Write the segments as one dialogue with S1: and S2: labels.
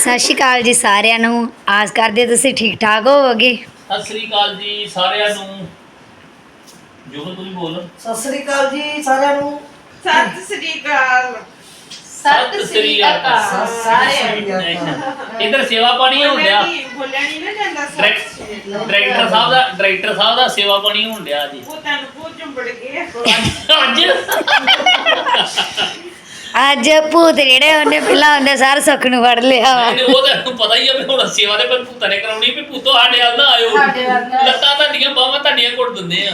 S1: ਸਤਿ ਸ਼੍ਰੀ ਅਕਾਲ ਜੀ ਸਾਰਿਆਂ ਨੂੰ। ਆਸ ਕਰਦੇ ਤੁਸੀਂ ਠੀਕ ਠਾਕ ਹੋਵੋਗੇ।
S2: ਸਤਿ ਸ੍ਰੀ ਅਕਾਲ ਜੀ ਸਾਰਿਆਂ ਨੂੰ। ਜੋ ਤੁਸੀਂ ਬੋਲ।
S3: ਸਤਿ ਸ੍ਰੀ ਅਕਾਲ ਜੀ ਸਾਰਿਆਂ ਨੂੰ।
S4: ਸਤਿ ਸ੍ਰੀ ਅਕਾਲ।
S2: ਸਤਿ ਸ੍ਰੀ ਅਕਾਲ
S3: ਸਾਰਿਆਂ
S2: ਇਧਰ ਸੇਵਾ ਪਾਣੀ ਹੋਣ ਡਿਆ।
S4: ਬੋਲਿਆ ਨਹੀਂ ਨਾ ਜਾਂਦਾ
S2: ਡਾਇਰੈਕਟਰ ਸਾਹਿਬ ਦਾ ਸੇਵਾ ਪਾਣੀ ਹੋਣ ਡਿਆ ਜੀ।
S4: ਉਹ ਤੈਨੂੰ ਬਹੁਤ ਚੁੰਬੜ ਗਏ
S1: ਅੱਜ ਭੂਤ ਜਿਹੜੇ ਉਹਨੇ ਪਹਿਲਾਂ ਹੁੰਦੇ ਸਾਰੇ ਸੁੱਖ ਨੂੰ ਫੜ ਲਿਆ ਵਾ।
S2: ਉਹ ਤਾਂ ਪਤਾ ਹੀ ਆ ਵੀ ਹੁਣ ਸੇਵਾ ਦੇ ਪਰ ਭੂਤਾਂ ਨੇ ਕਰਾਉਣੀ ਵੀ ਭੂਤੋ ਸਾਡੇ ਵੱਲ ਨਾ ਆਇਓ। ਲੱਤਾਂ ਤੁਹਾਡੀਆਂ ਬਾਹਾਂ ਤੁਹਾਡੀਆਂ ਘੁੱਟ ਦਿੰਦੇ ਆ।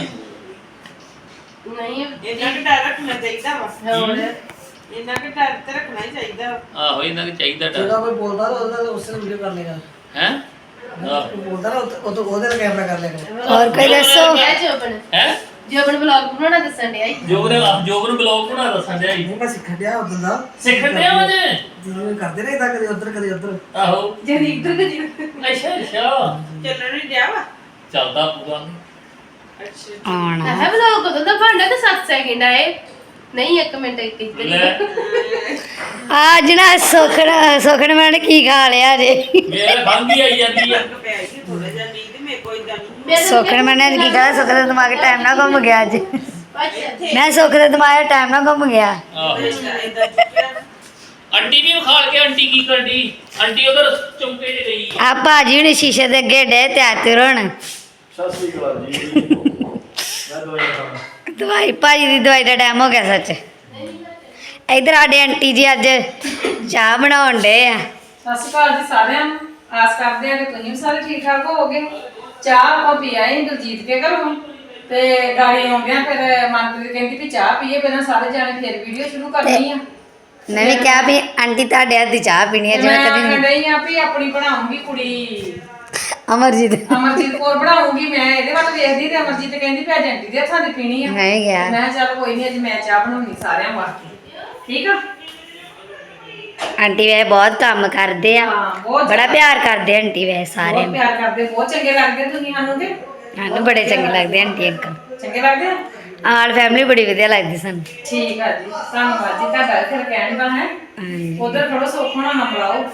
S4: ਨਹੀਂ ਇਹਨਾਂ ਨੂੰ ਡਰ ਰੱਖਣਾ ਚਾਹੀਦਾ ਵਾ। ਇਹਨਾਂ ਨੂੰ ਡਰ ਤੇ ਰੱਖਣਾ ਹੀ ਚਾਹੀਦਾ।
S2: ਆਹੋ ਇਹਨਾਂ ਨੂੰ ਚਾਹੀਦਾ
S3: ਜਿਹੜਾ
S2: ਡਰ।
S3: ਕੋਈ ਬੋਲਦਾ ਤਾਂ ਉਹਦਾ ਉਸੇ ਵੀਡੀਓ ਕਰ ਲੇਗਾ
S2: ਹੈ
S3: ਬੋਲਦਾ ਨਾ ਉਹ ਤੋਂ ਉਹਦੇ ਨਾਲ ਕੈਮਰਾ ਕਰ ਲੇਗਾ।
S1: ਹੋਰ ਕੋਈ ਦੱਸੋ।
S2: ਹੈ
S5: ਜੋਬਨ ਵਲੌਗ ਬਣਾਉਣਾ ਦੱਸਣ ਡਿਆ ਈ।
S2: ਜੋਬਨ ਬਲੌਗ ਬਣਾ ਦੱਸਣ ਡਿਆ ਜੀ।
S3: ਨਹੀਂ ਮੈਂ ਸਿੱਖ ਗਿਆ ਉਦੋਂ ਦਾ
S2: ਸਿੱਖਣ ਡਿਆ ਵਾ ਜੇ।
S3: ਜਿਵੇਂ ਕਰਦੇ ਨੇ ਇਦਾਂ ਕਦੇ ਉੱਧਰ ਕਦੇ ਉੱਧਰ।
S2: ਆਹੋ
S5: ਜਦ ਇੱਧਰ ਤੇ
S2: ਅੱਛਾ
S4: ਚੱਲਣ ਨਹੀਂ ਡਿਆ ਵਾ।
S2: ਚੱਲਦਾ ਪੂਰਾ।
S4: ਅੱਛਾ
S1: ਆਉਣਾ
S5: ਹੈ ਵਲੌਗ ਕਦੋਂ ਦਾ ਬਣਦਾ ਤੇ 7 ਸੈਕਿੰਡ ਆਏ ਨਹੀਂ 1 ਮਿੰਟ ਇੱਕ
S2: ਲੈ
S1: ਅੱਜ ਨਾ ਸੁਖਣ ਮੈਂ ਕੀ ਖਾ ਲਿਆ ਜੇ।
S2: ਮੇਰੇ ਖੰਘ ਹੀ ਆਈ ਜਾਂਦੀ ਆ।
S4: ਪੈ ਗਈ ਥੋੜਾ ਜਿਹਾ ਨੀਂਦ ਮੇਰੇ ਕੋਈ ਇਦਾਂ ਨਹੀਂ।
S1: ਸੁਖਣ ਮੈਂ ਕੀ ਖਾ ਸੁਖ ਦਾ ਦਿਮਾਗ ਟਾਈਮ ਨਾਲ ਘੁੰਮ ਗਿਆ ਅੱਜ।
S5: ਅੱਛਾ
S1: ਮੈਂ ਸੁਖ ਦਾ ਦਿਮਾਗ ਟਾਈਮ ਨਾਲ ਘੁੰਮ ਗਿਆ।
S2: ਆਹੋ
S4: ਇਦਾਂ ਚੁੱਕਿਆ
S2: ਆਂਟੀ ਵੀ ਖਾਲ ਕੇ ਆਂਟੀ ਕੀ ਕਰਦੀ। ਆਂਟੀ ਉਧਰ ਚੌਂਕੇ 'ਚ ਗਈ
S1: ਆ ਭਾਜੀ ਹੁਣ ਸ਼ੀਸ਼ੇ ਦੇ ਅੱਗੇ ਡੇ ਤਿਆਰ ਹੋਣ।
S6: ਸਤਿ ਸ੍ਰੀ ਅਕਾਲ ਜੀ। ਮੈਂ ਦਵਾਈ ਖਾਣਾ।
S1: ਦਵਾਈ ਭਾਜੀ ਦੀ ਦਵਾਈ ਦਾ ਟਾਈਮ ਹੋ ਗਿਆ ਸੱਚ। ਇਧਰ ਸਾਡੇ ਆਂਟੀ ਜੀ ਅੱਜ ਚਾਹ ਬਣਾਉਣ ਡੇ ਆ।
S7: ਸਤਿ ਸ਼੍ਰੀ ਅਕਾਲ ਜੀ ਸਾਰਿਆਂ ਨੂੰ। ਆਸ ਕਰਦੇ ਆ ਕਿ ਤੁਸੀਂ ਵੀ ਸਾਰੇ ਠੀਕ ਠਾਕ ਹੋਵੋਗੇ। ਚਾਹ ਆਪਾਂ ਪੀ ਆਏ ਦਲਜੀਤ ਕੇ ਘਰੋਂ ਤੇ ਗਾੜੀ ਆਉਂਦਿਆਂ ਫਿਰ ਮਨਪ੍ਰੀਤ ਕਹਿੰਦੀ ਵੀ ਚਾਹ ਪੀਏ ਪਹਿਲਾਂ ਸਾਰੇ ਜਾਣੇ ਫਿਰ ਵੀਡੀਓ ਸ਼ੁਰੂ ਕਰਨੀ ਆ।
S1: ਮੈਂ ਵੀ ਕਿਹਾ ਵੀ ਆਂਟੀ ਤੁਹਾਡੇ ਹੱਥ ਦੀ ਚਾਹ ਪੀਣੀ ਹੈ
S7: ਤੇ
S1: ਜਿਵੇਂ
S7: ਮੈਂ
S1: ਕਦੀ
S7: ਆਖਣ ਡਈ ਆ ਵੀ ਆਪਣੀ ਬਣਾਉਂਗੀ ਕੁੜੀ
S1: ਅਮਰਜੀਤ
S7: ਅਮਰਜੀਤ ਕੌਰ ਬਣਾਉਂਗੀ। ਮੈਂ ਇਹਦੇ ਵੱਲ ਵੇਖਦੀ ਤੇ ਅਮਰਜੀਤ ਕਹਿੰਦੀ ਵੀ ਅੱਜ ਆਂਟੀ ਦੇ ਹੱਥਾਂ ਦੀ ਪੀਣੀ ਆ।
S1: ਮੈਂ ਵੀ ਕਿਹਾ
S7: ਮੈਂ ਕਿਹਾ ਚੱਲ ਕੋਈ ਨਹੀਂ ਅੱਜ ਮੈਂ ਚਾਹ ਬਣਾਉਣੀ ਸਾਰਿਆਂ ਵਾਸਤੇ। ਠੀਕ ਆ।
S1: ਆਂਟੀ ਵੇ ਬਹੁਤ ਕੰਮ ਕਰਦੇ ਆ।
S7: ਹਾਂ ਬਹੁਤ
S1: ਬੜਾ ਪਿਆਰ ਕਰਦੇ ਆਂਟੀ ਵੇ ਸਾਰਿਆਂ
S7: ਬਹੁਤ
S1: ਨੂੰ।
S7: ਪਿਆਰ ਕਰਦੇ ਬਹੁਤ ਚੰਗੇ ਲੱਗਦੇ ਤੁਸੀਂ ਸਾਨੂੰ ਤੇ
S1: ਸਾਨੂੰ ਬੜੇ ਚੰਗੇ ਲੱਗਦੇ ਆਂਟੀ ਅੰਕਲ।
S7: ਚੰਗੇ ਲੱਗਦੇ ਆ।
S1: ਆਲ ਫੈਮਿਲੀ ਬੜੀ ਵਧੀਆ ਲੱਗਦੀ ਸਾਨੂੰ।
S7: ਠੀਕ ਆ ਜੀ ਧੰਨਵਾਦ ਜੀ ਤੁਹਾਡਾ ਫਿਰ ਕਹਿਣ ਦਾ ਹੈ।
S1: ਹਾਂਜੀ।
S7: ਉਧਰ ਥੋੜਾ ਸੌਖਾ ਨਾ ਬੁਲਾਓ।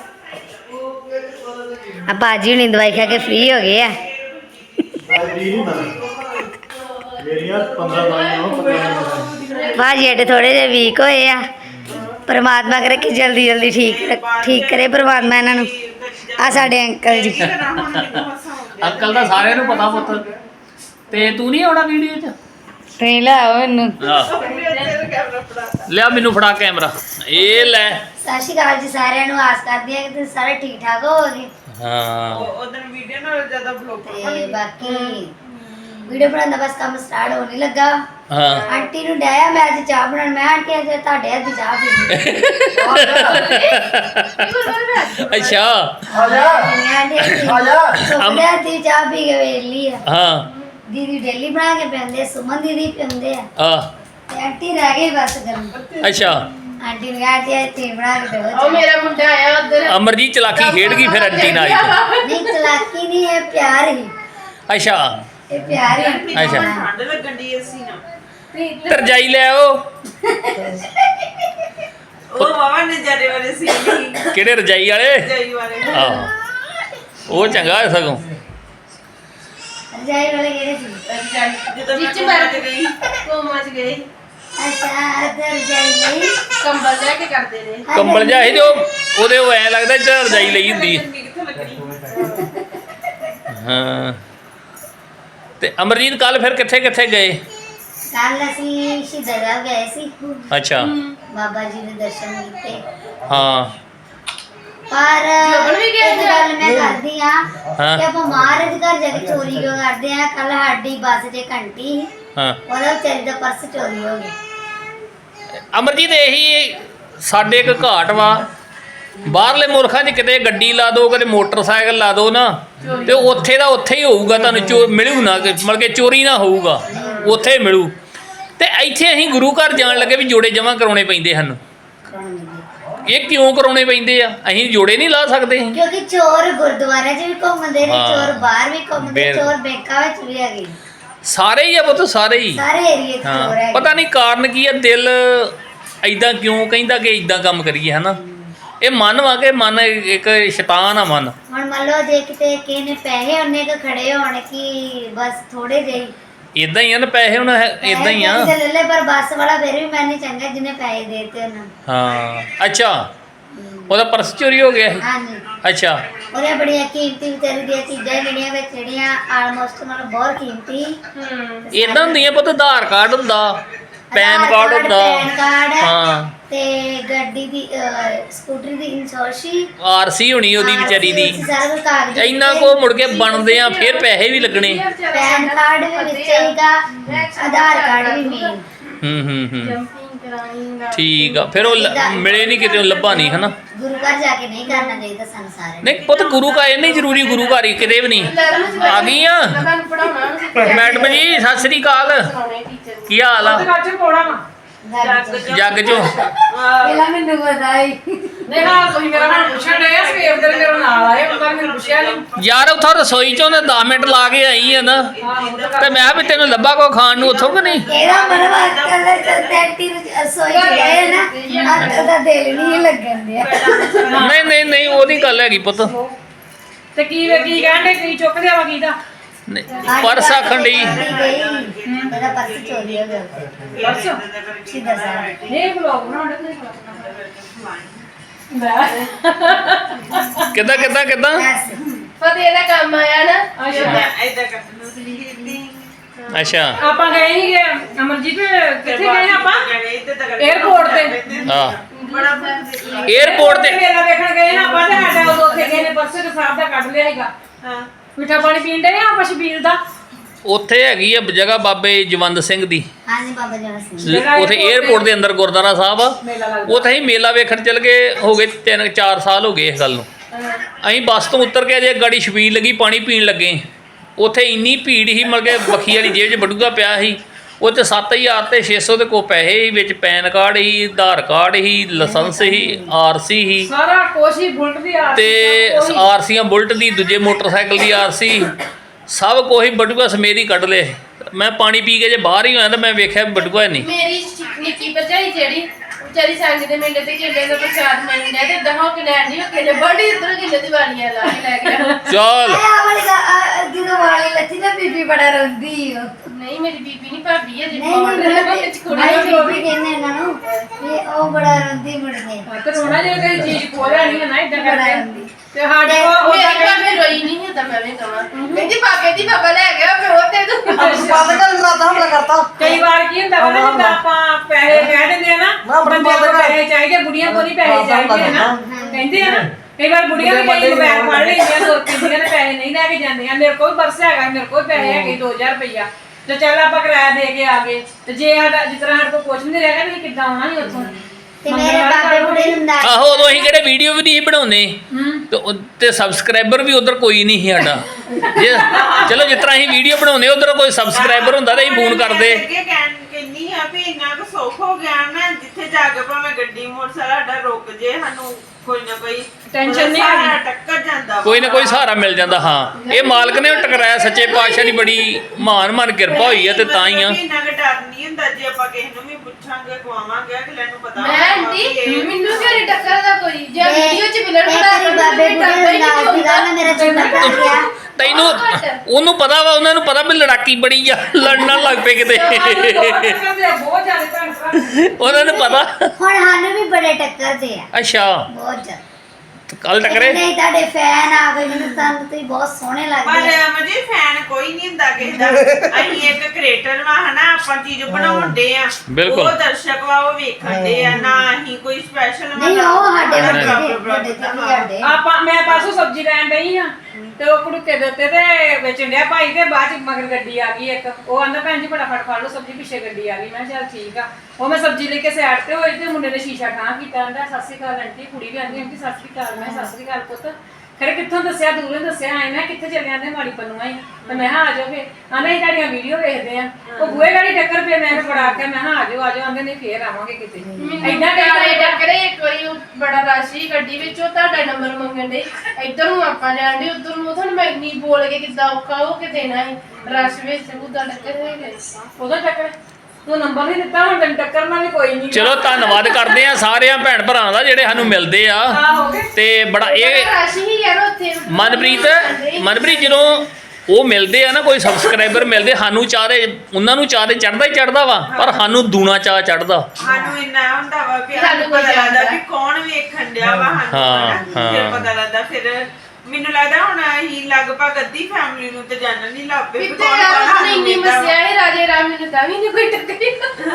S1: ਆ ਭਾਜੀ ਹੁਣੀ ਦਵਾਈ ਖਾ ਕੇ ਫ੍ਰੀ ਹੋ ਗਏ ਆ।
S6: ਅੱਜ ਵੀ ਨਹੀਂ ਬਣਾ। ਮੇਰੀਆਂ 15 ਦਵਾਈਆਂ ਹੋ 15
S1: ਭਾਜੀ ਐਡੇ ਥੋੜੇ ਜਿਹੇ ਵੀਕ ਹੋਏ ਆ। ਪਰਮਾਤਮਾ ਕਰੇ ਕਿ ਜਲਦੀ ਜਲਦੀ ਠੀਕ ਕਰੇ ਪਰਮਾਤਮਾ ਇਹਨਾਂ ਨੂੰ। ਆ ਸਾਡੇ ਅੰਕਲ ਜੀ।
S2: ਅੰਕਲ ਦਾ ਸਾਰਿਆਂ ਨੂੰ ਪਤਾ ਪੁੱਤ। ਤੇ ਤੂੰ ਨਹੀਂ ਆਉਣਾ ਵੀਡੀਓ 'ਚ।
S1: ਤੁਸੀਂ ਲਾਓ ਮੈਨੂੰ।
S2: ਲਿਆ ਮੈਨੂੰ ਫੜਾ ਕੈਮਰਾ। ਇਹ ਲੈ।
S1: ਸਤਿ ਸ਼੍ਰੀ ਅਕਾਲ ਜੀ ਸਾਰਿਆਂ ਨੂੰ। ਆਸ ਕਰਦੀ ਆ ਕਿ ਤੁਸੀਂ ਸਾਰੇ ਠੀਕ ਠਾਕ ਹੋਵੋਗੇ।
S2: ਹਾਂ
S4: ਉਧਰ ਵੀਡੀਓ ਨਾਲ ਜ਼ਿਆਦਾ ਬਲੌਗ
S1: ਤੇ ਬਾਕੀ ਵੀਡੀਓ ਬਣਾਉਣ ਦਾ ਬਸ ਕੰਮ ਸਟਾਰਟ ਹੋਣ ਹੀ ਲੱਗਾ।
S2: ਹਾਂ
S1: ਆਂਟੀ ਨੂੰ ਡਾਇਆ ਮੈਂ ਅੱਜ ਚਾਹ ਬਣਾਉਣ। ਮੈਂ ਆਂਟੀ ਅੱਜ ਤੁਹਾਡੇ ਹੱਥ ਦੀ ਚਾਹ ਪੀਣੀ।
S2: ਅੱਛਾ
S6: ਆ ਜਾ
S1: ਸੁਖਦੇ ਹੱਥ ਦੀ ਚਾਹ ਪੀ ਕੇ ਵੇਲੀ ਆ।
S2: ਹਾਂ
S1: ਦੀਦੀ ਡੇਲੀ ਬਣਾ ਕੇ ਪਿੰਦੇ। ਸੁਮਨ ਦੀਦੀ ਪਿੰਦੇ ਆ।
S2: ਆ
S1: ਤੇ ਆਂਟੀ ਰਹਿ ਗਈ ਬਸ ਗਰਮ।
S2: ਅੱਛਾ
S1: ਆਂਟੀ ਨੇ ਕਿਹਾ ਜੀ ਤੀ ਬਣਾ ਕੇ ਦਿਓ
S5: ਉਹ
S1: ਚਾਹ।
S5: ਮੇਰਾ ਮੁੰਡਾ ਆਇਆ ਉਧਰ
S2: ਅਮਰਜੀਤ ਚਲਾਕੀ ਖੇਡ ਗਈ ਫਿਰ ਆਂਟੀ ਨਾਲ ਆਈ।
S1: ਨਹੀਂ ਚਲਾਕੀ ਨਹੀਂ ਹੈ ਪਿਆਰ ਹੀ।
S2: ਅੱਛਾ
S1: ਇਹ ਪਿਆਰ ਹੀ।
S2: ਅੱਛਾ
S4: ਠੰਡ ਲੱਗਣ ਦੀ ਏਸੀ ਨਾਲ।
S2: ਤਰਜਾਈ ਲੈ ਆਓ।
S4: ਉਹ ਵਾਵਾ ਨਜ਼ਾਰੇ ਵਾਲੇ ਸੀ
S2: ਕਿਹੜੇ ਰਜਾਈ ਵਾਲੇ।
S4: ਜਾਈ ਵਾਲੇ।
S2: ਆਹੋ ਉਹ ਚੰਗਾ ਹੈ ਸਗੋਂ।
S1: ਜਾਈ ਵਾਲੇ ਕਿਹੜੇ ਸੀ?
S4: ਜਦੋਂ ਮੈਂ
S5: ਵਿੱਚ
S4: ਕੋਮਾ
S5: ਮਰ
S4: ਚ ਗਈ
S5: ਕੋਮਾ ਚ ਗਏ
S1: ਅੱਛਾ ਅਦਰ ਜਾਈ ਨਹੀਂ।
S5: ਕੰਬਲ ਲੈ ਕੇ ਕਰਦੇ ਨੇ
S2: ਕੰਬਲ ਜਿਹਾ ਸੀ ਜੋ ਉਹਦੇ ਉਹ ਐ ਲੱਗਦਾ ਜਿੱਦਾਂ ਰਜਾਈ ਲਈ ਹੁੰਦੀ ਹੈ।
S4: ਕਿੱਥੇ ਲੱਗਣੀ।
S2: ਹਾਂ ਤੇ ਅਮਰਜੀਤ ਕੱਲ ਫਿਰ ਕਿੱਥੇ ਕਿੱਥੇ ਗਏ।
S1: ਕੱਲ ਅਸੀਂ ਸ਼ਹੀਦਾਂ ਗਏ ਸੀ।
S2: ਅੱਛਾ
S1: ਬਾਬਾ ਜੀ ਦੇ ਦਰਸ਼ਨ ਕੀਤੇ।
S2: ਹਾਂ
S1: ਪਰ
S5: ਜੋਬਨ ਵੀ ਗਿਆ
S1: ਇੱਕ ਗੱਲ ਮੈਂ ਕਰਦੀ ਆ
S2: ਹਾਂ।
S1: ਕਿ ਆਪਾਂ ਮਹਾਰਾਜ ਘਰ ਜਾ ਕੇ ਚੋਰੀ ਕਿਉਂ ਕਰਦੇ ਆ। ਕੱਲ ਸਾਡੀ ਬੱਸ 'ਚ ਘੰਟੀ
S2: ਹਾਂ
S1: ਉਹਦਾ ਵਿਚਾਰੀ ਦਾ ਪਰਸ ਚੋਰੀ ਹੋ ਗਿਆ।
S2: ਅਮਰਜੀਤ ਇਹੀ ਸਾਡੇ ਇੱਕ ਘਾਟ ਵਾ। ਬਾਹਰਲੇ ਮੁਲਕਾਂ 'ਚ ਕਿਤੇ ਗੱਡੀ ਲਾ ਦੋ ਕਦੇ ਮੋਟਰਸਾਈਕਲ ਲਾ ਦੋ ਨਾ ਤੇ ਉੱਥੇ ਦਾ ਉੱਥੇ ਹੀ ਹੋਊਗਾ। ਤੁਹਾਨੂੰ ਮਿਲੂ ਨਾ ਮਤਲਬ ਕਿ ਚੋਰੀ ਨਾ ਹੋਊਗਾ ਉੱਥੇ ਮਿਲੂ। ਤੇ ਇੱਥੇ ਅਸੀਂ ਗੁਰੂ ਘਰ ਜਾਣ ਲੱਗੇ ਵੀ ਜੋੜੇ ਜਮ੍ਹਾਂ ਕਰਾਉਣੇ ਪੈਂਦੇ ਹਨ। ਇਹ ਕਿਉਂ ਕਰਾਉਣੇ ਪੈਂਦੇ ਆ। ਅਸੀਂ ਜੋੜੇ ਨਹੀਂ ਲਾ ਸਕਦੇ।
S1: ਕਿਉਂਕਿ ਚੋਰ ਗੁਰਦੁਆਰੇ 'ਚ ਵੀ ਘੁੰਮਦੇ ਨੇ।
S2: ਹਾਂ।
S1: ਚੋਰ ਬਾਹਰ ਵੀ ਘੁੰਮਦੇ।
S2: ਬਿਲ-
S1: ਚੋਰ ਬੈਂਕਾਂ ਵਿੱਚ ਵੀ ਹੈਗੇ।
S2: ਸਾਰੇ ਹੀ ਆ ਪੁੱਤ ਸਾਰੇ ਹੀ।
S1: ਸਾਰੇ ਏਰੀਏ 'ਚ ਚੋਰ
S2: ਹਾਂ
S1: ਹੈਗੇ।
S2: ਪਤਾ ਨਹੀਂ ਕਾਰਨ ਕੀ ਆ। ਦਿਲ ਐਦਾਂ ਕਿਉਂ ਕਹਿੰਦਾ ਕਿ ਐਦਾਂ ਕੰਮ ਕਰੀਏ ਹਨਾ। ਇਹ ਮਨ ਵਾ ਕਿ ਮਨ ਇੱਕ ਸ਼ੈਤਾਨ ਆ ਮਨ।
S1: ਹੁਣ ਮੰਨ ਲਓ ਜੇ ਕਿਤੇ ਕਿਸੇ ਨੇ ਪੈਸੇ ਉਹਨੇ ਕ ਖੜੇ ਹੋਣ ਕਿ ਬਸ ਥੋੜੇ ਜਿਹੇ
S2: ਇਦਾਂ ਹੀ ਆ ਨਾ, ਪੈਸੇ ਹੁਣ ਇਦਾਂ ਹੀ ਆ।
S1: ਪੈਸੇ ਲੈ ਲੈ, ਪਰ ਬੱਸ ਵਾਲਾ ਫਿਰ ਵੀ ਮੈਂ ਨਹੀਂ ਚੰਗਾ ਜਿਹਨੇ ਪੈਸੇ ਦੇਤੇ ਉਹਨਾਂ ਨੂੰ।
S2: ਹਾਂ ਅੱਛਾ, ਉਹਦਾ ਪਰਸ ਚੋਰੀ ਹੋ ਗਿਆ ਸੀ।
S1: ਹਾਂਜੀ,
S2: ਅੱਛਾ
S1: ਉਹਦੇ ਬੜੀਆਂ ਕੀਮਤੀ ਵਿਚਾਰੀ ਦੀਆਂ ਚੀਜ਼ਾਂ ਜਿਹੜੀਆਂ ਵਿੱਚ ਜਿਹੜੀਆਂ ਆਲਮੋਸਟ ਮਤਲਬ ਬਹੁਤ ਕੀਮਤੀ
S2: ਇਦਾਂ ਹੁੰਦੀਆਂ ਪੁੱਤ, ਆਧਾਰ ਕਾਰਡ ਹੁੰਦਾ, ਪੈਨ
S1: ਆਧਾਰ
S2: ਕਾਰਡ ਹੁੰਦਾ।
S1: ਪੈਨ ਕਾਰਡ
S2: ਹਾਂ
S1: ਤੇ ਗੱਡੀ ਦੀ ਸਕੂਟਰੀ ਦੀ ਇੰਸ਼ੋਰੈਂਸੀ,
S2: ਆਰਸੀ ਹੋਣੀ ਉਹਦੀ ਵਿਚਾਰੀ ਦੀ।
S1: ਸਾਰਾ ਕੁਝ ਕਾਗਜ਼
S2: ਇੰਨਾ ਕੋ ਮੁੜ ਕੇ ਬਣਦੇ ਆ, ਫਿਰ ਪੈਸੇ ਵੀ ਲੱਗਣੇ।
S1: ਪੈਨ ਕਾਰਡ ਵੀ ਵਿੱਚ ਹੈਗਾ, ਆਧਾਰ ਕਾਰਡ ਵੀ ਮੇਨ।
S2: ਹੂੰ
S5: ਜੰਪਿੰਗ ਕਰਾਈਂਗਾ
S2: ਠੀਕ ਆ। ਫਿਰ ਉਹ ਮਿਲੇ ਨਹੀਂ ਕਿਤੇ, ਉਹ ਲੱਭਾ ਨਹੀਂ ਹਨਾ।
S1: ਗੁਰੂ ਘਰ ਜਾ ਕੇ ਨਹੀਂ ਕਰਨਾ ਚਾਹੀਦਾ ਸਾਨੂੰ ਸਾਰਿਆਂ
S2: ਨਹੀਂ ਪੁੱਤ, ਗੁਰੂ ਘਰ ਇਹ ਨਹੀਂ ਜ਼ਰੂਰੀ, ਗੁਰੂ ਘਰ ਹੀ ਕਿਤੇ ਵੀ ਨਹੀਂ। ਆ ਗਈ ਆ
S5: ਤੁਹਾਨੂੰ ਪੜਾਉਣਾ
S2: ਮੈਡਮ ਜੀ, ਸਤਿ ਸ੍ਰੀ ਅਕਾਲ,
S5: ਟੀਚਰ
S2: ਕੀ ਹਾਲ ਆ?
S7: ਉਹਦੇ ਕੱਚ ਕੋੜਾ ਵਾ
S1: ਨੂੰ।
S2: ਜੱਗ ਚੋਂ
S1: ਪਹਿਲਾਂ ਮੈਨੂੰ ਪਤਾ ਹੀ
S7: ਨਹੀਂ ਹਾਂ, ਤੁਸੀਂ ਮੇਰਾ ਹੁਣ ਪੁੱਛਣ ਡਏ ਆ, ਸਵੇਰ ਦੇ ਮੇਰੇ ਨਾਲ ਆਏ, ਉਹਨਾਂ ਨੇ ਮੈਨੂੰ ਪੁੱਛਿਆ ਨਹੀਂ।
S2: ਯਾਰ ਉੱਥੋਂ ਰਸੋਈ ਚੋਂ ਨੇ 10 ਮਿੰਟ ਲਾ ਕੇ ਆਈ ਆ ਨਾ, ਤੇ ਮੈਂ ਕਿਹਾ ਵੀ ਤੈਨੂੰ ਲੱਭਾ ਕੋ ਖਾਣ ਨੂੰ ਉੱਥੋਂ ਕਿ ਨਹੀਂ।
S1: ਇਹਦਾ ਮਨਵਾ ਕੱਲ ਟੈਂਟੀ ਰਸੋਈ ਚ ਗਏ ਨਾ, ਅੱਜ ਦਾ ਦਿਲ ਨਹੀਂ ਲੱਗਣ ਦਿਆ।
S2: ਨਹੀਂ ਉਹਦੀ ਗੱਲ ਹੈਗੀ ਪੁੱਤ।
S7: ਤੇ ਕੀ ਕਹਿਣ ਡੇ, ਕੀ ਚੁੱਕ ਲਿਆ ਵਾ ਕੀ ਦਾ?
S2: ਨਹੀਂ, ਪਰਸ ਆਖਣ ਡਈ।
S1: ਇਹਦਾ ਪਰਸ ਚੋਰੀ ਹੋ ਗਿਆ
S7: ਪਰਸੋਂ
S1: ਸਿੱਧਾ ਸਾਰਾ।
S7: ਨਹੀਂ ਬਲੌਗ ਬਣਾਉਣਾ ਨਹੀਂ
S2: ਕਿੱਦਾਂ
S1: ਪੈਸੇ।
S5: ਫਤਿਹ ਦਾ ਕੰਮ ਆਇਆ ਨਾ।
S4: ਐਦਾਂ ਕਰਨਾ
S2: ਅੱਛਾ
S7: ਆਪਾਂ ਗਏ ਸੀਗੇ ਅਮਰਜੀਤ, ਕਿੱਥੇ ਗਏ ਆਪਾਂ?
S4: ਏਦਾਂ
S7: 에어ਪੋਰਟ ਤੇ।
S2: ਹਾਂ,
S4: ਬੜਾ
S2: 에어ਪੋਰਟ ਤੇ
S7: ਮੇਲਾ ਵੇਖਣ ਗਏ ਨਾ ਆਪਾਂ, ਤੇ ਸਾਡਾ ਉਦੋਂ ਉੱਥੇ ਗਏ ਨੇ ਪਰਸ ਤੇ ਸਾਹਿਬ ਦਾ ਕੱਢ ਲਿਆ ਸੀਗਾ।
S4: ਹਾਂ
S7: ਮਿੱਠਾ ਪਾਣੀ ਪੀਣ ਡਏ ਆਪਾਂ ਸ਼ਬੀਲ ਦਾ।
S2: ਉੱਥੇ ਹੈਗੀ ਆ ਜਗ੍ਹਾ ਬਾਬੇ ਜਵੰਦ ਸਿੰਘ ਦੀ।
S1: ਹਾਂਜੀ ਬਾਬਾ ਜਨ ਸਿੰਘ।
S2: ਉੱਥੇ 에어ਪੋਰਟ ਦੇ ਅੰਦਰ ਗੁਰਦੁਆਰਾ ਸਾਹਿਬ ਆ।
S7: ਮੇਲਾ ਲੱਗਦਾ।
S2: ਉੱਥੇ ਹੀ ਮੇਲਾ ਵੇਖਣ ਚਲ ਗਏ, ਹੋ ਗਏ 3-4 ਸਾਲ ਹੋ ਗਏ ਇਸ ਗੱਲ ਨੂੰ। ਅਸੀਂ ਬੱਸ ਤੋਂ ਉਤਰ ਕੇ ਜੇ ਗਾੜੀ ਛਬੀਲ ਲੱਗੀ, ਪਾਣੀ ਪੀਣ ਲੱਗੇ, ਉੱਥੇ ਇੰਨੀ ਭੀੜ ਸੀ, ਮਤਲਬ ਕਿ ਬੱਖੀ ਵਾਲੀ ਜੇਬ 'ਚ ਬਟੂਆ ਪਿਆ ਸੀ। ਉਹ 'ਚ 7000 ਤੇ 600 ਦੇ ਕੋਲ ਪੈਸੇ ਸੀ, ਵਿੱਚ ਪੈਨ ਕਾਰਡ ਸੀ, ਆਧਾਰ ਕਾਰਡ ਸੀ, ਲਾਇਸੈਂਸ ਸੀ, ਆਰਸੀ ਸੀ,
S7: ਸਾਰਾ ਕੁਛ ਹੀ ਬੁਲਟ ਦੀ ਆ
S2: ਤੇ ਆਰਸੀਆਂ ਬੁਲਟ ਦੀ, ਦੂਜੇ ਮੋਟਰਸਾਈਕਲ ਦੀ ਆਰਸੀ, ਸਭ ਕੋਈ ਬਟੂਆ ਸਮੇਤ ਹੀ ਕੱਢ ਲਏ। ਮੈਂ ਪਾਣੀ ਪੀ ਕੇ ਜੇ ਬਾਹਰ ਹੀ ਹੋਇਆ ਤਾਂ ਮੈਂ ਵੇਖਿਆ ਬਟੂਆ ਨਹੀਂ।
S5: ਮੇਰੀ ਨਿੱਕੀ ਭਰਜਾਈ ਜਿਹੜੀ ਵਿਚਾਰੀ ਸੰਗ ਦੇ ਮਿੰਡੇ ਤੇ ਕਿਲੇ ਦਾ ਪ੍ਰਸ਼ਾਦ ਮੰਗਦਾ ਤੇ ਦਹਾਂ ਕਿ ਲੈਣ ਨਹੀਂ, ਕਿਲੇ ਬੜੀ ਇਧਰ ਕਿਲੇ ਦੀ ਵਾਲੀਆਂ ਲਾ ਕੇ ਲੈ ਗਿਆ।
S2: ਚੱਲ
S1: ਆ ਵਾਲੀ ਦਾ ਜਦੋਂ ਵਾਲੀ ਲੱਥੀ ਨਾ ਬੀਬੀ ਬੜਾ ਰੋਂਦੀ ਉਹ।
S5: ਨਹੀਂ ਮੇਰੀ ਬੀਬੀ ਨਹੀਂ ਭਾਬੀ ਹੈ ਜਿਹੜੀ
S1: ਨਹੀਂ
S5: ਪਾਉਣ ਵਿੱਚ ਕੁੜੀ
S1: ਬੀਬੀ ਕਹਿੰਦੇ ਇਹਨਾਂ ਨੂੰ ਵੀ ਉਹ ਬੜਾ ਰੋਂਦੀ ਮੁੜ ਕੇ।
S7: ਤੇ ਰੋਣਾ ਜੇ ਕੋਈ ਚੀਜ਼ ਖੋਲਿਆ ਨਹੀਂ ਹੈ ਨਾ ਇਦਾਂ
S1: ਬੜਾ
S7: ਕਰਕੇ।
S1: ਰੋਂਦੀ।
S7: ਤੇ ਸਾਡੇ ਕੋਲ ਉਹਦਾ
S5: ਮੇਰੀ ਭਾਬੀ ਰੋਈ ਨਹੀਂ ਹੈ ਤਾਂ ਮੈਂ ਵੀ ਕਹਾਂ ਕਹਿੰਦੀ ਬਾਬੇ ਦੀ ਬਾਬਾ ਲੈ ਗਿਆ ਫਿਰ ਉਹ ਤੇ ਤੂੰ
S3: ਬਾਬੇ ਦਾ ਰਾਤ ਹਮਲਾ ਕਰਤਾ।
S7: ਕਈ ਵਾਰ ਕੀ ਹੁੰਦਾ ਵਾ ਨਾ, ਜਿੱਦਾਂ ਆਪਾਂ ਪੈਸੇ ਕਹਿ ਦਿੰਦੇ ਆ ਨਾ, ਬੰਦੇ ਕੋਲ ਪੈਸੇ ਚਾਹੀਦੇ, ਬੁੜੀਆਂ ਕੋਲ ਨਹੀਂ ਪੈਸੇ ਚਾਹੀਦੇ ਹੈ ਨਾ, ਕਹਿੰਦੇ ਆ ਨਾ। ਕਈ ਵਾਰ ਬੁੜੀਆਂ ਵੀ ਕਈ ਮੋਬਾਈਲ ਫੜ ਲੈਂਦੀਆਂ, 2 ਰੁਪਏ ਦੀਆਂ, ਪੈਸੇ ਨਹੀਂ ਲੈ ਕੇ ਜਾਂਦੀਆਂ। ਮੇਰੇ ਕੋਲ ਪਰਸ ਹੈਗਾ, ਮੇਰੇ ਕੋਲ ਪੈਸੇ ਹੈਗੇ 2000 ਰੁਪਇਆ, ਤੇ ਚੱਲ ਆਪਾਂ ਕਿਰਾਇਆ ਦੇ ਕੇ ਆ ਗਏ। ਤੇ ਜੇ ਸਾਡਾ ਜਿਸ ਤਰ੍ਹਾਂ ਸਾਡੇ ਕੋਲ ਕੁਛ ਨਹੀਂ ਰਹਿ ਗਿਆ, ਤੁਸੀਂ ਕਿੱਦਾਂ ਆਉਣਾ ਸੀ ਉੱਥੋਂ?
S1: ਤੇ ਮੇਰੇ ਬਾਬੇ ਬੁੜੇ ਨੂੰ ਦੱਸ
S2: ਆਹੋ, ਉਦੋਂ ਅਸੀਂ ਕਿਹੜੇ ਵੀਡੀਓ ਵੀ ਨਹੀਂ ਬਣਾਉਂਦੇ, ਤੇ ਸਬਸਕ੍ਰਾਈਬਰ ਵੀ ਉਧਰ ਕੋਈ ਨਹੀਂ ਸੀ ਸਾਡਾ। ਜੇ ਚਲੋ ਜਿਸ ਤਰ੍ਹਾਂ ਅਸੀਂ ਵੀਡੀਓ ਬਣਾਉਂਦੇ ਉਧਰ ਕੋਈ ਸਬਸਕ੍ਰਾਈਬਰ ਹੁੰਦਾ ਤਾਂ ਅਸੀਂ ਫੋਨ ਕਰਦੇ।
S4: ਅੱਗੇ ਕਹਿੰਦੀ ਆ ਵੀ ਇੰਨਾ ਕੁ ਸੁੱਖ ਹੋ ਗਿਆ ਨਾ, ਜਿੱਥੇ ਜਾ ਕੇ ਭਾਵੇਂ ਗੱਡੀ ਮੋਟਰਸਾਈਕਲ ਸਾਡਾ ਰੁਕ ਜੇ, ਸਾਨੂੰ ਕੋਈ ਨਾ ਕੋਈ
S7: ਟੈਨਸ਼ਨ ਨਹੀਂ
S4: ਸਹਾਰਾ
S7: ਹੈਗੀ।
S4: ਟੱਕਰ ਜਾਂਦਾ
S2: ਕੋਈ ਨਾ ਕੋਈ ਸਹਾਰਾ ਮਿਲ ਜਾਂਦਾ। ਹਾਂ, ਇਹ ਮਾਲਕ ਨੇ ਟਕਰਾਇਆ, ਸੱਚੇ ਪਾਤਸ਼ਾਹ ਦੀ ਬੜੀ ਮਹਾਨ ਕਿਰਪਾ ਹੋਈ ਆ, ਤੇ ਤਾਂ ਹੀ ਆ।
S4: ਇੰਨਾ ਕੁ ਡਰ ਨਹੀਂ ਹੁੰਦਾ ਜੇ ਆਪਾਂ ਕਿਸੇ ਨੂੰ ਵੀ ਪੁੱਛਾਂਗੇ, ਖਵਾਵਾਂਗੇ, ਅਗਲੇ ਨੂੰ ਪਤਾ
S5: ਮੈਂ
S4: ਹੋਊਗਾ
S5: ਆਂਟੀ
S4: ਵੀ ਇਹ-
S5: ਮੈਨੂੰ ਕਿਹੜੀ ਟੱਕਰ ਦਾ ਕੋਈ ਜੇ
S1: ਤੇ-
S5: ਵੀਡੀਓ ਚ ਮਿਲਣ
S1: ਤੇ
S5: ਬਣਾ
S1: ਤੇਰੇ ਬਾਬੇ ਬੁੜੇ ਨੂੰ ਦੱਸ ਦੀ ਗੱਲ ਮੇਰਾ ਚੰਗਾ ਕਰ ਗਿਆ।
S2: ਤੈਨੂੰ ਉਹਨੂੰ ਪਤਾ ਵਾ, ਉਹਨਾਂ ਨੂੰ ਪਤਾ ਵੀ ਲੜਾਕੀ ਬੜੀ ਆ, ਲੜਨਾ ਲੱਗ ਪਏ ਕਿਤੇ।
S7: ਬਹੁਤ ਜ਼ਿਆਦਾ ਭੈਣ ਭਰਾ।
S2: ਉਹਨਾਂ ਨੂੰ ਪਤਾ।
S1: ਹੁਣ ਸਾਨੂੰ ਵੀ ਬੜੇ ਟੱਕਰਦੇ ਆ,
S2: ਅੱਛਾ,
S1: ਬਹੁਤ ਜ਼ਿਆਦਾ।
S2: ਕੱਲ ਟਕਰੇ।
S1: ਨਹੀਂ ਤੁਹਾਡੇ ਫੈਨ ਆ ਗਏ ਨੇ, ਤੁਹਾਨੂੰ ਤੁਸੀਂ ਬਹੁਤ ਸੋਹਣੇ
S4: ਪਰ
S1: ਲੱਗਦੇ ਆ।
S4: ਮਜੇ ਫੈਨ ਕੋਈ ਨਹੀਂ ਹੁੰਦਾ ਕਿਸੇ ਦਾ। ਅਸੀਂ ਇੱਕ ਕ੍ਰੀਏਟਰ ਵਾ ਹਨਾ, ਆਪਾਂ ਚੀਜ਼ ਬਣਾਉਂਦੇ ਆ,
S2: ਬਿਲਕੁਲ।
S4: ਉਹ ਦਰਸ਼ਕ ਵਾ ਉਹ ਵੇਖਣਦੇ ਆ ਨਾ, ਅਸੀਂ ਕੋਈ ਸਪੈਸ਼ਲ
S1: ਨਹੀਂ ਉਹ ਸਾਡੇ ਵੱਡੇ ਦੇ ਵੱਡੇ ਤੇ ਵੀ ਸਾਡੇ
S7: ਮੈਂ ਪਾਸੋਂ ਸਬਜ਼ੀ ਲੈਣ ਡਈ ਆ, ਤੇ ਉਹ ਕੁੜਕੇ ਦੇ ਉੱਤੇ ਤੇ ਵੇਚਣ ਡਿਆ ਭਾਈ, ਤੇ ਬਾਅਦ ਚ ਮਗਰ ਗੱਡੀ ਆ ਗਈ ਇੱਕ। ਉਹ ਆਂਦਾ ਭੈਣ ਜੀ ਫਟਾਫਟ ਫੜ ਲਓ ਸਬਜ਼ੀ, ਪਿੱਛੇ ਗੱਡੀ ਆ ਗਈ। ਮੈਂ ਕਿਹਾ ਚੱਲ ਠੀਕ ਆ। ਉਹ ਮੈਂ ਸਬਜ਼ੀ ਲੈ ਕੇ ਸਾਈਡ ਤੇ ਹੋਈ, ਤੇ ਮੁੰਡੇ ਨੇ ਸ਼ੀਸ਼ਾ ਠਾਂ ਕੀਤਾ, ਆਂਦਾ ਸਤਿ ਸ਼੍ਰੀ ਅਕਾਲ ਆਂਟੀ। ਕੁੜੀ ਵੀ ਆਂਦੀ ਆਂਟੀ ਸਤਿ ਸ਼੍ਰੀ ਅਕਾਲ। ਮੈਂ ਸਤਿ ਸ਼੍ਰੀ ਅਕਾਲ ਪੁੱਤ। ਖਰੇ ਕਿੱਥੋਂ ਦੱਸਿਆ, ਦੂਰੋਂ ਦੱਸਿਆ। ਆਏ ਮੈਂ ਕਿੱਥੇ ਚੱਲੇ ਆਂਦੇ ਮਾੜੀ ਪੰਨੂਆ ਹੀ। ਤੇ ਮੈਂ ਕਿਹਾ ਆ ਜਾਓ ਫੇਰ। ਆਂਦਾ ਅਸੀਂ ਤੁਹਾਡੀਆਂ ਵੀਡੀਓ ਵੇਖਦੇ ਆ। ਉਹ ਬੂਹੇ ਗਾੜੀ ਟੱਕਰ ਪਏ, ਮੈਂ ਫੜਾ ਕੇ ਮੈਂ ਕਿਹਾ ਆ ਜਾਓ ਆਂਦੇ ਨਹੀਂ ਫੇਰ ਆਵਾਂਗੇ ਕਿਤੇ।
S5: ਇੰਨਾ ਟਾਰੇ ਟੱਕਰੇ ਇੱਕ ਵਾਰੀ ਉਹ ਬੜਾ ਰਸ਼ ਸੀ ਗੱਡੀ ਵਿੱਚ, ਉਹ ਤੁਹਾਡਾ ਨੰਬਰ ਮੰਗਣ ਦੇ। ਇੱਧਰ ਨੂੰ ਆਪਾਂ ਜਾਣ ਦੇ, ਉੱਧਰ ਨੂੰ ਤੁਹਾਨੂੰ ਮੈਂ ਇੰਨੀ ਬੋਲ ਕੇ ਕਿੱਦਾਂ ਔਖਾ ਹੋ ਕੇ ਦੇਣਾ ਹੈ ਰਸ਼ ਵਿੱਚ। ਉਹਦਾ ਟੱਕਰ ਹੋਈ ਗਈ
S7: ਉਹਦਾ ਟੱਕਰ ਤੂੰ ਨੰਬਰ ਨਹੀਂ ਦਿੱਤਾ ਹੁਣ ਤੈਨੂੰ ਟੱਕਰਨਾ ਵੀ ਕੋਈ ਨਹੀਂ।
S2: ਚਲੋ ਧੰਨਵਾਦ ਕਰਦੇ ਆ ਸਾਰਿਆਂ ਭੈਣ ਭਰਾਵਾਂ ਦਾ ਜਿਹੜੇ ਸਾਨੂੰ ਮਿਲਦੇ ਆ ਤੇ ਬੜਾ ਇਹ
S5: ਰਸ਼ ਹੀ ਯਾਰ ਉੱਥੇ
S2: ਮਨਪ੍ਰੀਤ ਜਦੋਂ ਉਹ ਮਿਲਦੇ ਆ ਨਾ ਕੋਈ ਸਬਸਕ੍ਰਾਈਬਰ ਮਿਲਦੇ ਸਾਨੂੰ ਚਾਹ ਦੇ ਉਹਨਾਂ ਨੂੰ ਚਾਹ ਦੇ ਚੜਦਾ ਹੀ ਚੜਦਾ ਵਾ ਪਰ ਸਾਨੂੰ ਦੂਣਾ ਚਾਹ ਚੜਦਾ।
S4: ਸਾਨੂੰ ਇੰਨਾ ਹੁੰਦਾ ਵਾ ਵੀ
S5: ਸਾਨੂੰ
S4: ਸਾਨੂੰ ਪਤਾ
S5: ਕੋਈ
S4: ਲੱਗਦਾ
S5: ਜਾਣਦਾ।
S4: ਵੀ ਕੌਣ ਵੇਖਣ ਡਿਆ ਵਾ ਸਾਨੂੰ
S2: ਹਾਂ,
S4: ਹਨਾ। ਫਿਰ
S2: ਹਾਂ।
S4: ਪਤਾ ਲੱਗਦਾ ਫਿਰ ਮੈਨੂੰ ਲੱਗਦਾ ਹੁਣ ਅਸੀਂ ਲਗਭਗ ਅੱਧੀ ਫੈਮਿਲੀ ਨੂੰ ਤੇ ਜਾਣਨ ਨਹੀਂ ਲੱਗ ਪਏ ਵੀ
S5: ਕਿਤੇ
S4: ਕੌਣ
S5: ਯਾਰ
S4: ਸਾਨੂੰ
S5: ਇੰਨੀ
S4: ਵੇਖਦਾ ਵਾ।
S5: ਮਸਿਆ ਹੈ ਰਾਜੇ ਰਾਮ ਮੈਨੂੰ ਤਾਂ ਵੀ ਨਹੀਂ ਕੋਈ ਟੱਕਰੀ।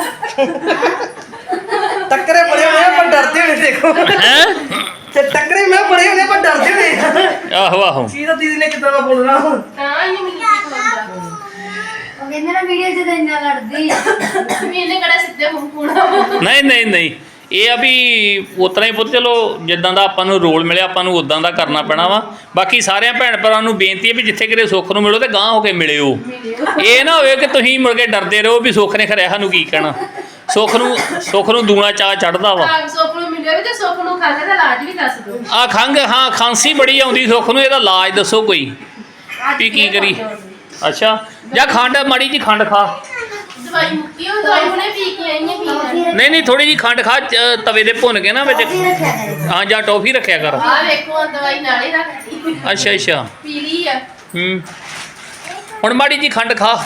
S3: ਟੱਕਰੇ ਬੜੇ ਹੋਣੇ ਆ, ਪਰ ਡਰਦੇ ਹੋਣੇ ਦੇਖੋ
S2: ਹੈ
S3: ਤੇ ਟੱਕਰੇ ਮੈਂ ਬੜੇ ਹੋਣੇ ਪਰ ਡਰਦੇ ਹੋਣੇ।
S2: ਆਹੋ ਆਹੋ
S3: ਸੀਦਾ ਦੀਦੀ ਨੇ ਕਿੱਦਾਂ ਦਾ ਬੋਲਣਾ
S5: ਹਾਂ ਇਹ ਮੈਨੂੰ ਕੀ ਖਵਾਉਂਦਾ
S1: ਉਹ ਕਹਿੰਦੇ ਨਾ ਵੀਡੀਓ 'ਚ ਤਾਂ ਇੰਨਾ ਲੜਦੀ ਆ
S5: ਵੀ ਇਹਨੇ ਕਿਹੜਾ ਸਿੱਧੇ ਮੂੰਹ ਪੂਣਾ
S2: ਨਹੀਂ ਇਹ ਆ ਵੀ ਉਤਰਾ ਹੀ ਪੁੱਤ ਚਲੋ ਜਿੱਦਾਂ ਦਾ ਆਪਾਂ ਨੂੰ ਰੋਲ ਮਿਲਿਆ ਆਪਾਂ ਨੂੰ ਉਦਾਂ ਦਾ ਕਰਨਾ ਪੈਣਾ ਵਾ। ਬਾਕੀ ਸਾਰਿਆਂ ਭੈਣ ਭਰਾਵਾਂ ਨੂੰ ਬੇਨਤੀ ਹੈ ਵੀ ਜਿੱਥੇ ਕਿਤੇ ਸੁੱਖ ਨੂੰ ਮਿਲੋ ਤੇ ਗਾਂਹ ਹੋ ਕੇ ਮਿਲਿਓ। ਇਹ ਨਾ ਹੋਵੇ ਕਿ ਤੁਸੀਂ ਮੁੜ ਕੇ ਡਰਦੇ ਰਹੋ ਵੀ ਸੁੱਖ ਨੇ ਖਰਿਆ ਸਾਨੂੰ ਕੀ ਕਹਿਣਾ। ਸੁੱਖ ਨੂੰ ਦੂਣਾ ਚਾਹ ਚੜਦਾ ਵਾ।
S5: ਹਾਂ ਸੁੱਖ ਨੂੰ ਮਿਲਿਆ ਵੀ ਤੇ ਸੁੱਖ ਨੂੰ ਖੰਘ ਦਾ ਇਲਾਜ ਵੀ ਦੱਸ ਦਿਓ।
S2: ਆ ਖੰਘ ਹਾਂ ਖਾਂਸੀ ਬੜੀ ਆਉਂਦੀ ਸੁੱਖ ਨੂੰ ਇਹਦਾ ਇਲਾਜ ਦੱਸੋ ਕੋਈ ਵੀ ਕੀ ਕਰੀ। ਅੱਛਾ ਜਾਂ ਖੰਡ ਮਾੜੀ ਜੀ ਖੰਡ ਖਾ।
S5: ਦਵਾਈ ਮੁੱਕੀ ਉਹ ਦਵਾਈ ਹੁਣੇ ਪੀ ਕੇ ਆਈ ਹੈ ਪੀ
S2: ਨਹੀਂ ਥੋੜੀ ਜੀ ਖੰਡ ਖਾ ਤਵੇ ਦੇ ਭੁੰਨ ਕੇ ਨਾ ਵਿੱਚ ਹਾਂ ਜਾਂ ਟੋਫੀ ਰੱਖਿਆ ਕਰ।
S5: ਆ ਵੇਖੋ ਆਹ ਦਵਾਈ ਨਾਲੇ ਰੱਖਦੀ
S2: ਅੱਛਾ
S5: ਪੀਲੀ ਆ
S2: ਹੁਣ ਮਾੜੀ ਜੀ ਖੰਡ ਖਾ।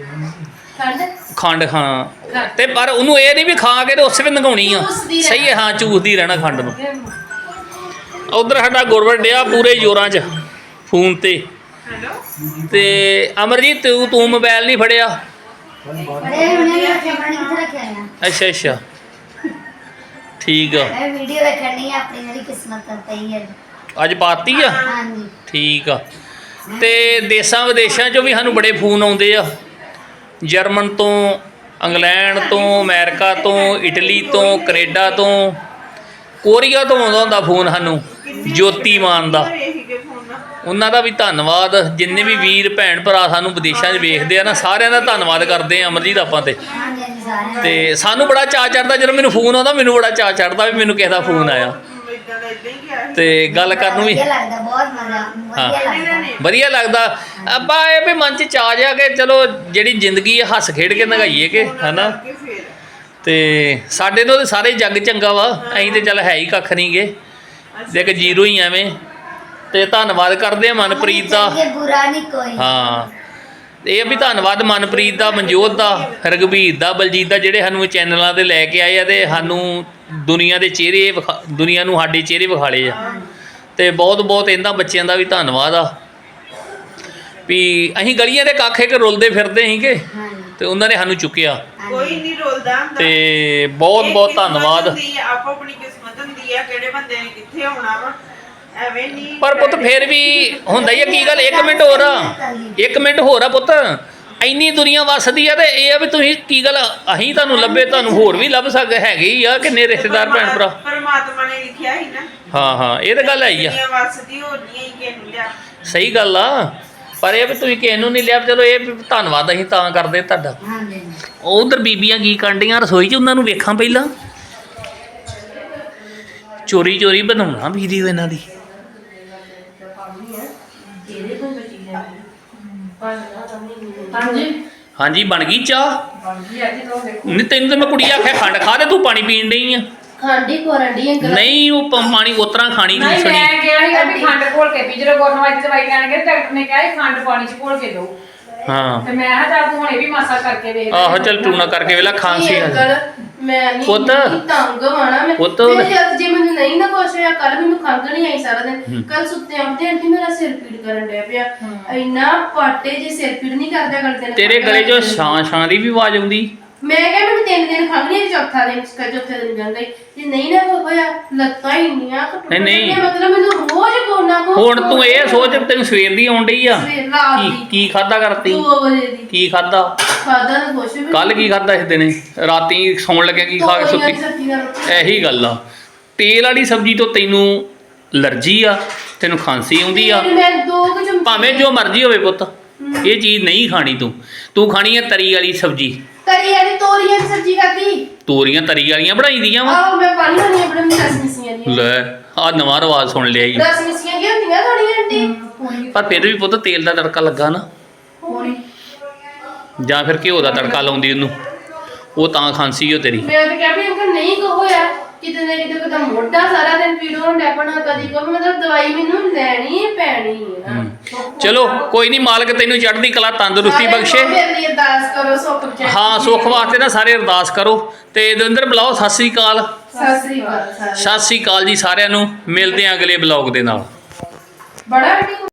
S2: ਖੰਡ ਹਾਂ ਤੇ ਪਰ ਉਹਨੂੰ ਇਹ ਨਹੀਂ ਵੀ ਖਾ ਕੇ ਤੇ ਉਸੇ ਵੇ ਨਗਾਉਣੀ ਆ। ਸਹੀ ਹੈ ਹਾਂ ਚੂਸਦੀ ਰਹਿਣਾ ਖੰਡ ਨੂੰ। ਉਧਰ ਸਾਡਾ ਗੁਰਵਰ ਡਿਆ ਪੂਰੇ ਜ਼ੋਰਾਂ 'ਚ ਫੋਨ ਤੇ
S4: ਹੈਲੋ
S2: ਤੇ ਅਮਰਜੀਤ ਤੂੰ ਮੋਬਾਈਲ ਨਹੀਂ ਫੜਿਆ।
S1: ਬੜੇ ਹੁਣੇ ਰੱਖਿਆ ਪਾਣੀ ਕਿੱਥੇ ਰੱਖਿਆ ਆ
S2: ਅੱਛਾ ਠੀਕ ਆ
S1: ਮੈਂ ਵੀਡੀਓ ਵੇਖਣੀ ਆ ਆਪਣੀ ਜਿਹੜੀ ਕਿਸਮਤ ਪਈ ਹੈ
S2: ਅੱਜ ਪਾਤੀ ਆ
S1: ਹਾਂਜੀ
S2: ਠੀਕ ਆ। ਤੇ ਦੇਸ਼ਾਂ ਵਿਦੇਸ਼ਾਂ 'ਚੋਂ ਵੀ ਸਾਨੂੰ ਬੜੇ ਫੋਨ ਆਉਂਦੇ ਆ ਜਰਮਨ ਤੋਂ ਇੰਗਲੈਂਡ ਤੋਂ ਅਮਰੀਕਾ ਤੋਂ ਇਟਲੀ ਤੋਂ ਕੈਨੇਡਾ ਤੋਂ ਕੋਰੀਆ ਤੋਂ ਆਉਂਦਾ ਹੁੰਦਾ ਫੋਨ ਸਾਨੂੰ ਜੋਤੀ ਮਾਨ ਦਾ।
S4: ਇਹੀ ਕੇ ਫੋਨ ਨਾ
S2: ਉਹਨਾਂ ਦਾ ਵੀ ਧੰਨਵਾਦ ਜਿੰਨੇ ਵੀ ਵੀਰ ਭੈਣ ਭਰਾ ਸਾਨੂੰ ਵਿਦੇਸ਼ਾਂ 'ਚ ਵੇਖਦੇ ਆ ਨਾ ਸਾਰਿਆਂ ਦਾ ਧੰਨਵਾਦ ਕਰਦੇ ਆ ਅਮਰਜੀਤ ਆਪਾਂ ਤੇ।
S1: ਹਾਂਜੀ ਹਾਂਜੀ ਸਾਰਿਆਂ
S2: ਤੇ ਸਾਨੂੰ ਬੜਾ ਚਾਅ ਚੜਦਾ ਜਦੋਂ ਮੈਨੂੰ ਫੋਨ ਆਉਂਦਾ ਮੈਨੂੰ ਬੜਾ ਚਾਅ ਚੜਦਾ ਵੀ ਮੈਨੂੰ ਕਿਸੇ ਦਾ ਫੋਨ ਆਇਆ
S4: ਇਦਾਂ ਦਾ ਇਦਾਂ ਹੀ ਗਿਆ ਸੀ।
S2: ਤੇ ਗੱਲ ਕਰਨ ਨੂੰ ਵੀ
S1: ਵਧੀਆ ਲੱਗਦਾ ਬਹੁਤ ਮਜ਼ਾ ਵਧੀਆ ਲੱਗਦਾ
S2: ਵਧੀਆ ਲੱਗਦਾ। ਆਪਾਂ ਇਹ ਵੀ ਮਨ 'ਚ ਚਾਅ ਜਿਹਾ ਕਿ ਚਲੋ ਜਿਹੜੀ ਜ਼ਿੰਦਗੀ ਹੈ ਹੱਸ ਖੇਡ ਕੇ ਨਗਾਈਏ ਕਿ ਹਨਾ।
S4: ਕਿ ਫਿਰ
S2: ਤੇ ਸਾਡੇ ਤੋਂ ਤਾਂ ਸਾਰੇ ਜੱਗ ਚੰਗਾ ਵਾ ਅਸੀਂ ਤੇ ਚੱਲ ਹੈ ਹੀ ਕੱਖ ਨਹੀਂ ਗੇ ਦੇਖ ਜ਼ੀਰੋ ਹੀ ਐਵੇਂ। ਤੇ ਧੰਨਵਾਦ ਕਰਦੇ ਆ ਮਨਪ੍ਰੀਤ ਦਾ।
S1: ਚੰਗੇ ਬੁਰਾ ਨਹੀਂ ਕੋਈ
S2: ਹਾਂ ਇਹ ਵੀ ਧੰਨਵਾਦ ਮਨਪ੍ਰੀਤ ਦਾ ਮਨਜੋਤ ਦਾ ਰਘਬੀਰ ਦਾ ਬਲਜੀਤ ਦਾ ਜਿਹੜੇ ਸਾਨੂੰ ਚੈਨਲਾਂ ਤੇ ਲੈ ਕੇ ਆਏ ਆ ਤੇ ਸਾਨੂੰ ਦੁਨੀਆ ਦੇ ਚਿਹਰੇ ਦੁਨੀਆ ਨੂੰ ਸਾਡੇ ਚਿਹਰੇ ਵਿਖਾਲੇ ਆ। ਤੇ ਬਹੁਤ ਇਹਨਾਂ ਬੱਚਿਆਂ ਦਾ ਵੀ ਧੰਨਵਾਦ ਆ ਵੀ ਅਸੀਂ ਗਲੀਆਂ ਦੇ ਕੱਖ ਇੱਕ ਰੁਲਦੇ ਫਿਰਦੇ ਸੀਗੇ
S1: ਹਾਂਜੀ
S2: ਤੇ ਉਹਨਾਂ ਨੇ ਸਾਨੂੰ ਚੁੱਕਿਆ।
S4: ਕੋਈ ਨਹੀਂ ਰੋਲਦਾ ਹੁੰਦਾ।
S2: ਤੇ
S4: ਇਹ
S2: ਬਹੁਤ
S4: ਕਿਸਮਤ
S2: ਧੰਨਵਾਦ।
S4: ਹੁੰਦੀ ਆ, ਆਪੋ ਆਪਣੀ ਕਿਸਮਤ ਹੁੰਦੀ ਆ ਕਿਹੜੇ ਬੰਦੇ ਨੇ ਕਿੱਥੇ ਆਉਣਾ ਵਾ ਐਵੇਂ ਨਹੀਂ।
S2: ਪਰ ਪੁੱਤ ਫੇਰ ਵੀ ਹੁੰਦਾ ਹੀ ਆ ਕੀ ਗੱਲ 1 ਮਿੰਟ ਹੋਰ ਆ 1 ਮਿੰਟ ਹੋਰ ਆ ਪੁੱਤ ਇੰਨੀ ਦੁਨੀਆ ਵਸਦੀ ਆ ਤੇ ਇਹ ਆ ਵੀ ਤੁਸੀਂ ਕੀ ਗੱਲ ਅਸੀਂ ਤੁਹਾਨੂੰ ਲੱਭੇ ਤੁਹਾਨੂੰ ਹੋਰ ਵੀ ਲੱਭ ਸਕਦੇ ਹੈਗੇ ਹੀ ਆ ਕਿੰਨੇ ਰਿਸ਼ਤੇਦਾਰ ਭੈਣ ਭਰਾ।
S4: ਪਰਮਾਤਮਾ ਨੇ ਲਿਖਿਆ ਸੀ ਨਾ
S2: ਹਾਂ ਇਹ ਤਾਂ ਗੱਲ ਆਈ ਆ
S4: ਦੁਨੀਆ ਵਸਦੀ ਹੋਰ ਨਹੀਂ ਹੀ ਕਿਸੇ ਨੂੰ ਲਿਆ।
S2: ਸਹੀ ਗੱਲ ਆ ਪਰ ਇਹ ਵੀ ਤੁਸੀਂ ਕਿਸੇ ਨੂੰ ਨਹੀਂ ਲਿਆ ਚਲੋ ਇਹ ਵੀ ਧੰਨਵਾਦ ਅਸੀਂ ਤਾਂ ਕਰਦੇ ਤੁਹਾਡਾ।
S1: ਹਾਂਜੀ
S2: ਉਧਰ ਬੀਬੀਆਂ ਕੀ ਕਾਂਡੀਆਂ ਰਸੋਈ 'ਚ ਉਹਨਾਂ ਨੂੰ ਵੇਖਾਂ ਪਹਿਲਾਂ ਚੋਰੀ ਬਣਾਉਣਾ ਵੀਡੀਓ ਇਹਨਾਂ ਦੀ।
S5: ਹਾਂਜੀ
S2: ਹਾਂਜੀ ਬਣ ਗਈ ਚਾਹ।
S7: ਹਾਂਜੀ ਅੱਜ ਤੋਂ ਦੇਖੋ
S2: ਨਹੀਂ ਤੈਨੂੰ ਤਾਂ ਮੈਂ ਕੁੜੀ ਆਖਿਆ ਖੰਡ ਖਾ ਤੇ ਤੂੰ ਪਾਣੀ ਪੀਣ ਡਈ ਆ।
S5: ਖਾਂਡੀ ਕੋਰੰਡੀ ਅੰਕਲ
S2: ਨਹੀਂ ਉਹ ਪਾਣੀ ਉਤਰਾ ਖਾਣੀ
S7: ਨਹੀਂ
S2: ਦੂਸਰੀ।
S7: ਮੈਂ ਕਿਹਾ ਸੀਗਾ ਵੀ ਖੰਡ ਘੋਲ ਕੇ ਪੀ ਜਦੋਂ ਗੁਰਨਵਾਜ ਦਵਾਈ ਲੈਣ ਗਏ ਡਾਕਟਰ ਨੇ ਕਿਹਾ ਸੀ ਖੰਡ ਪਾਣੀ ਚ ਘੋਲ ਕੇ ਦਿਓ
S2: ਹਾਂ
S7: ਤੇ ਮੈਂ ਕਿਹਾ ਚੱਲ ਤੂੰ ਹੁਣੇ ਵੀ ਮਾਸਾ ਕਰਕੇ ਵੇਖ ਲੈ।
S2: ਆਹੋ ਚੱਲ ਟੂਣਾ ਕਰਕੇ ਵੇਲਾ ਖਾਂਸੀ ਆ
S5: ਅੰਕਲ ਮੈਂ ਨਹੀਂ
S2: ਪੁੱਤ।
S5: ਤੰਗ ਹੋਣਾ ਮੈਂ
S2: ਪੁੱਤ।
S5: ਮੈਨੂੰ ਜਦ ਜੇ ਮੈਨੂੰ ਨਹੀਂ ਨਾ ਕੁਛ ਹੋਇਆ ਕੱਲ ਮੈਨੂੰ ਖੰਘ ਨਹੀਂ ਆਈ ਸਾਰਾ ਦਿਨ ਕੱਲ ਸੁੱਤੇ ਆਉਂਦੇ ਆਂਟੀ ਮੇਰਾ ਸਿਰ ਪੀੜ ਕਰਨ ਡਿਆ ਪਿਆ ਇੰਨਾ ਪਾਟੇ ਜੇ ਸਿਰ ਪੀੜ ਨਹੀਂ ਕਰਦਾ ਕਰਦੇ ਨੇ
S2: ਤੇਰੇ ਗਲੇ 'ਚੋਂ ਛਾਂ ਦੀ ਵੀ ਆਵਾਜ਼ ਆਉਂਦੀ।
S5: ਮੈਂ ਕਿਹਾ ਮੈਨੂੰ 3 ਦਿਨ ਖੰਘ ਨਹੀਂ ਆਈ, ਚੌਥਾ ਦਿਨ ਚੌਥੇ ਦਿਨ ਜਾਂਦਾ ਜੇ ਨਹੀਂ ਨਾ ਹੋਇਆ ਲੱਤਾਂ ਹੀ ਇੰਨੀਆਂ
S2: ਨਹੀਂ।
S5: ਮਤਲਬ ਮੈਨੂੰ ਰੋਜ਼ ਕੋਨਾ ਕੋ
S2: ਹੁਣ ਤੂੰ ਇਹ ਸੋਚ ਤੈਨੂੰ ਸਵੇਰ ਦੀ ਆਉਣ ਡਈ ਆ
S5: ਰਾਤ ਦੀ
S2: ਕੀ ਖਾਦਾ ਕਰਤੀ
S5: 2 ਵਜੇ ਦੀ
S2: ਕੀ ਖਾਦਾ
S5: ਖਾਦਾ ਨਾ ਕੁਛ ਵੀ
S2: ਕੱਲ ਕੀ ਖਾਦਾ ਇਸ ਦਿਨੇ ਰਾਤੀ ਸੌਣ ਲੱਗਿਆ ਕੀ ਖਾ ਕੇ
S5: ਤੋਰੀਆਂ ਦੀ
S2: ਸੁੱਤੀ।
S5: ਸਬਜ਼ੀ ਨਾਲ ਰੋਟੀ।
S2: ਇਹੀ ਗੱਲ ਆ ਤੇਲ ਵਾਲੀ ਸਬਜ਼ੀ ਤੋਂ ਤੈਨੂੰ ਅਲਰਜੀ ਆ ਤੈਨੂੰ ਖਾਂਸੀ ਆਉਂਦੀ ਆ।
S5: ਫਿਰ ਮੈਂ 2 ਚਮਚ
S2: ਭਾਵੇਂ ਜੋ ਮਰਜ਼ੀ ਹੋਵੇ ਪੁੱਤ ਇਹ ਚੀਜ਼ ਨਹੀਂ ਖਾਣੀ ਤੂੰ ਖਾਣੀ ਹੈ ਤਰੀ ਵਾਲੀ ਸਬਜ਼ੀ।
S5: ਤਰੀ ਵਾਲੀ ਤੋਰੀਆਂ ਦੀ ਸਬਜ਼ੀ ਖਾਦੀ
S2: ਤੋਰੀਆਂ ਤਰੀ ਵਾਲੀਆਂ ਬਣਾਈ ਦੀਆਂ ਵਾ।
S5: ਆਹ ਮੈਂ ਪਾਣੀ ਵਾਲੀ ਆਪਣੇ ਰਸ ਮਿਸੀਆਂ ਦੀਆਂ
S2: ਲੈ ਆ ਨਵਾਂ ਰਵਾਜ ਸੁਣ ਲਿਆ ਈ।
S5: ਰਸ ਮਿਸੀਆਂ ਕੀ ਹੁੰਦੀਆਂ ਥੋੜੀਆਂ ਆਂਟੀ
S2: ਪਰ ਫਿਰ ਵੀ ਪੁੱਤ ਤੇਲ ਦਾ ਤੜਕਾ ਲੱਗਾ ਨਾ
S5: ਹੋਣੀ
S2: ਜਾਂ ਫਿਰ ਘਿਓ ਦਾ ਤੜਕਾ ਲਾਉਂਦੀ ਉਹਨੂੰ ਉਹ ਤਾਂ ਖਾਂਸੀ ਓ ਤੇਰੀ।
S5: ਮੈਂ ਤਾਂ ਕਿਹਾ ਵੀ ਅੰਕਲ ਨਹੀਂ ਕੋ ਹੋਇਆ ਕਿਤੇ ਨਾ ਕਿਤੇ ਕਦਾ ਮੋਢਾ ਸਾਰਾ ਦਿਨ ਪੀੜ ਹੋਣ ਡੈ ਪੈਣਾ ਕਦੀ ਕੋ ਮਤਲਬ ਦਵਾਈ ਮੈਨੂੰ ਲੈਣੀ ਹੈ ਪੈਣੀ ਹੈ ਨਾ।
S2: ਚਲੋ ਕੋਈ ਨਹੀਂ, ਮਾਲਕ ਤੈਨੂੰ ਚੜ੍ਹਦੀ ਕਲਾ ਤੰਦਰੁਸਤੀ ਬਖਸ਼ੇ।
S5: ਮੇਰੇ ਲਈ ਅਰਦਾਸ ਕਰੋ ਸੁੱਖ ਬਖਸ਼ੇ।
S2: ਹਾਂ, ਸੁੱਖ ਵਾਸਤੇ ਨਾ ਸਾਰੇ ਅਰਦਾਸ ਕਰੋ। ਤੇ ਦਵਿੰਦਰ ਬੁਲਾਓ ਸਤਿ ਸ੍ਰੀ ਅਕਾਲ।
S5: ਸਤਿ ਸ੍ਰੀ ਅਕਾਲ।
S2: ਸਤਿ ਸ੍ਰੀ ਅਕਾਲ ਜੀ ਸਾਰਿਆਂ ਨੂੰ। ਮਿਲਦੇ ਹਾਂ ਅਗਲੇ ਬਲੌਗ ਦੇ ਨਾਲ।
S5: ਬੜਾ